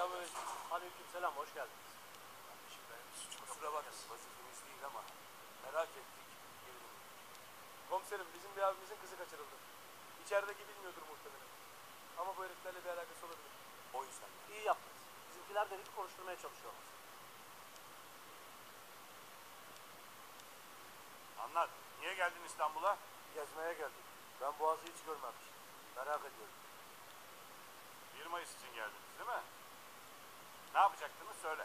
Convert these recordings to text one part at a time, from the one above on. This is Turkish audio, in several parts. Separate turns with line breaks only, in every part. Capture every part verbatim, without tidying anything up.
Selamünaleyküm.
Aleykümselam, hoş geldiniz.
Kardeşim ben kusura bakmayın vazifemiz değil ama merak ettik. Gelelim.
Komiserim bizim bir abimizin kızı kaçırıldı. İçerideki bilmiyordur muhtemelen. Ama bu heriflerle bir alakası olabilir.
O yüzden de.
İyi yaptınız. Bizimkiler de herifi konuşturmaya çalışıyorlar.
Anlat. Niye geldin İstanbul'a?
Gezmeye geldik. Ben Boğaz'ı hiç görmemiştim. Merak ediyorum.
bir Mayıs için geldiniz değil mi? Ne yapacaktınız söyle.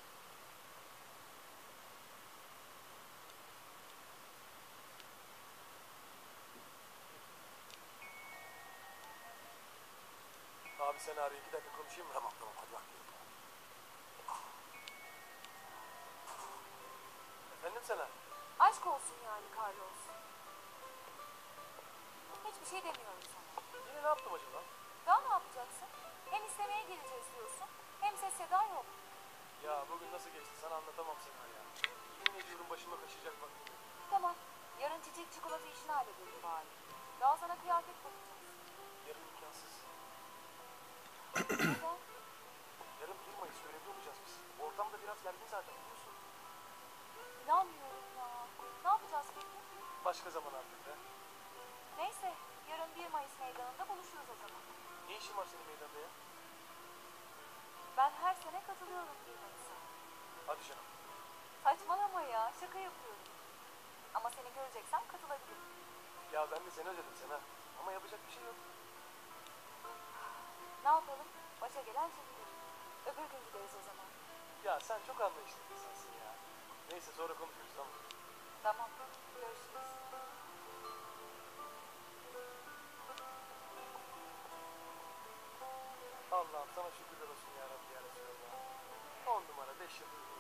Abi sen arıyor. iki dakika konuşayım mı?
Tamam tamam hadi bak.
Efendim sana?
Aşk olsun yani Carlos. Hiçbir şey demiyorum sana.
Yine ne yaptım acaba?
Daha ne yapacaksın? Hem istemeye geleceğiz diyorsun, hem ses seda yok.
Ya bugün nasıl geçti sana anlatamam sana ya. Yemin ediyorum başıma kaçacak bak.
Tamam, yarın çiçek çikolata işini halledelim bari. Daha sana kıyafet bakacağız.
Yarın imkansız.
Neden?
Yarın bir Mayıs görevli olacağız biz. Ortam da biraz gergin zaten biliyorsun.
İnanmıyorum ya. Ne yapacağız peki?
Başka zaman artık be.
Neyse, yarın bir Mayıs meydanında buluşuruz o zaman.
Ne işin var senin meydanda ya?
Ben her sene katılıyorum bir Mayıs'a.
Hadi canım.
Saçmalama ya, şaka yapıyorum. Ama seni göreceksem katılabilirim.
Ya ben de seni özledim Sena. Ama yapacak bir şey yok.
Ne yapalım? Başa gelen çekilir. Öbür gün gideriz o zaman.
Ya sen çok anlayışlı bir insansın ya. Neyse sonra konuşuruz tamam.
Tamam, görüşürüz.
Allah'ım sana şükürler olsun ya Rabbi ya Resulallah. On numara beş yıldız.